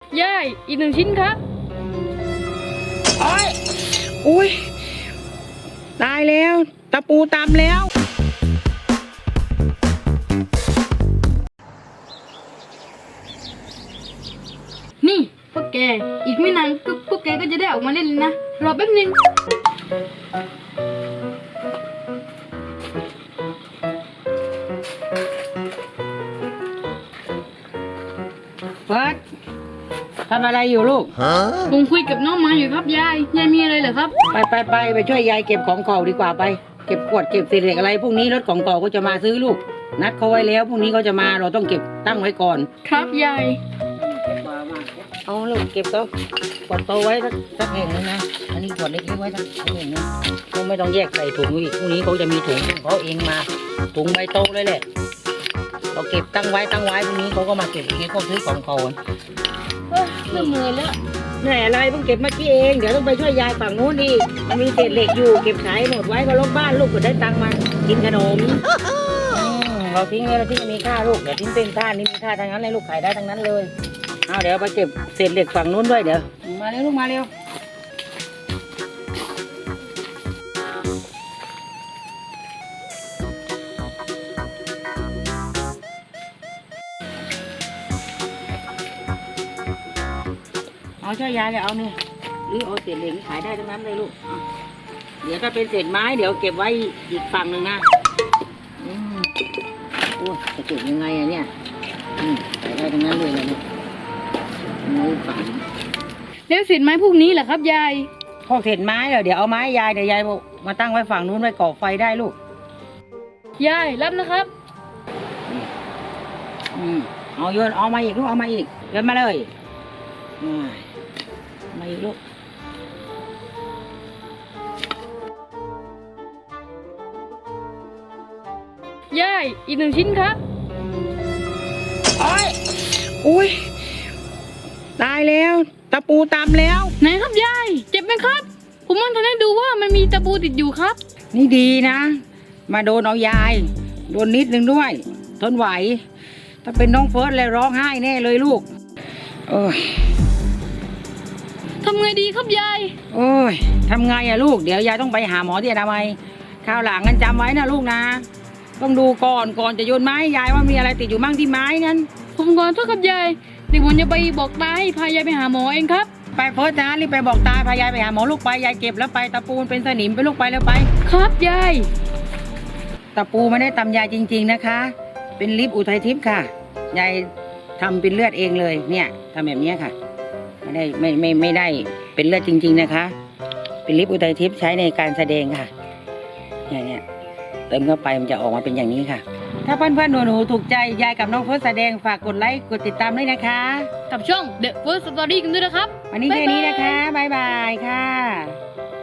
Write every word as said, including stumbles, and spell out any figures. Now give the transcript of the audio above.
ยายอีกหนึ่งชิ้นครับโอ้ยอุ้ยตายแล้วตะปูตำแล้วนี่พวกแกอีกไม่นานก็พวกแกก็จะได้ออกมาเล่นเลยนะรอแป๊บนึงเฟิร์สทำอะไรอยู่ลูกผมคุยกับน้องหมาอยู่ครับยายยายมีอะไรเหรอครับไปไปไปไปช่วยยายเก็บของเก่าดีกว่าไปเก็บขวดเก็บเศษเหล็กอะไรพวกนี้รถของเก่าก็จะมาซื้อลูกนัดเขาไว้แล้วพรุ่งนี้เขาจะมาเราต้องเก็บตั้งไว้ก่อนครับยายเอาลูกเก็บก็ขวดโตไว้สักสักแห่งนึงนะอันนี้ขวดเล็กๆไว้สักแห่งนึงเขาไม่ต้องแยกใส่ถุงอีกพรุ่งนี้เขาจะมีถุงเขาเองมาถุงใบโตเลยแหละเราเก็บตั้งไว้ตั้งไว้พรุ่งนี้เขาก็มาเก็บอย่างนี้เขาซื้อของเขาเริ่มเหนื่อยแล้วเหนื่อยอะไรเพิ่งเก็บเมื่อกี้เองเดี๋ยวต้องไปช่วยยายฝั่งนู้นดิมันมีเศษเหล็กอยู่เก็บขายหมดไว้ก็ลบบ้านลูกก็ได้ตังค์มากินขนมเราทิ้งไว้เราทิ้งมีค่าลูกเดี๋ยวทิ้งเป็นค่านี่มีค่าทั้งนั้นเลยลูกขายได้ทั้งนั้นเลยเอาเดี๋ยวไปเก็บเศษเหล็กฝั่งนู้นด้วยเดี๋ยวมาเร็วลูกมาเร็วเอาช่วยยายเลยเอาเนี่ยหรือเอาเศษเหล็กขายได้ทั้งนั้นเลยลูกเดี๋ยวถ้าเป็นเศษไม้เดี๋ยวเก็บไว้อีกฝั่งหนึ่งนะอืมโอ้จะเก็บยังไงอะเนี่ยอืมขายได้ทั้งนั้นเลยนะเนี่ยมือฝันแล้วเศษไม้พวกนี้เหรอครับยายพวกเศษไม้เหรอเดี๋ยวเอาไม้ยายเดี๋ยวยายมาตั้งไว้ฝั่งนู้นไว้ก่อไฟได้ลูกยายรับนะครับอืมเอาโยนเอามาอีกลูกเอามาอีกโยนมาเลยมาอีกลูกยายอีกหนึ่งชิ้นครับโอ้ยอุ้ยตายแล้วตะปูตำแล้วไหนครับยายเจ็บไหมครับผมมันทันได้ดูว่ามันมีตะปูติดอยู่ครับนี่ดีนะมาโดนเอายายโดนนิดนึงด้วยทนไหวถ้าเป็นน้องเฟิร์สเลยร้องไห้แน่เลยลูกโอ้ยทำไงดีครับยายโอ้ยทำไงอะลูกเดี๋ยวยายต้องไปหาหมอที่อนามัยคราวหลังกันจำไว้นะลูกนะต้องดูก่อนก่อนจะโยนไม้ยายว่ามีอะไรติดอยู่มั่งที่ไม้นั้นผมก่อนโทษครับยายเดี๋ยวผมจะไปบอกตาให้พายายไปหาหมอเองครับไปเฟิร์สนะรีบไปบอกตาพายายไปหาหมอลูกไปยายเก็บแล้วไปตะปูเป็นสนิมไปลูกไปแล้วไปครับยายตะปูไม่ได้ตำยายจริงๆนะคะเป็นลิปอุทัยทิพย์ค่ะยายทำเป็นเลือดเองเลยเนี่ยทำแบบนี้ค่ะไม่ได้ไม่ไม่ไม่ได้เป็นเลือดจริงๆนะคะเป็นลิปอุทัยทิพย์ใช้ในการแสดงค่ะเนี่ยเนี่ยเติมเข้าไปมันจะออกมาเป็นอย่างนี้ค่ะถ้าเพื่อนๆหนูๆถูกใจยายกับน้องเฟิร์สแสดงฝากกดไลค์กดติดตามด้วยนะคะกับช่อง The First Story กันด้วยนะครับวันนี้แค่นี้นะคะบ๊ายบายค่ะ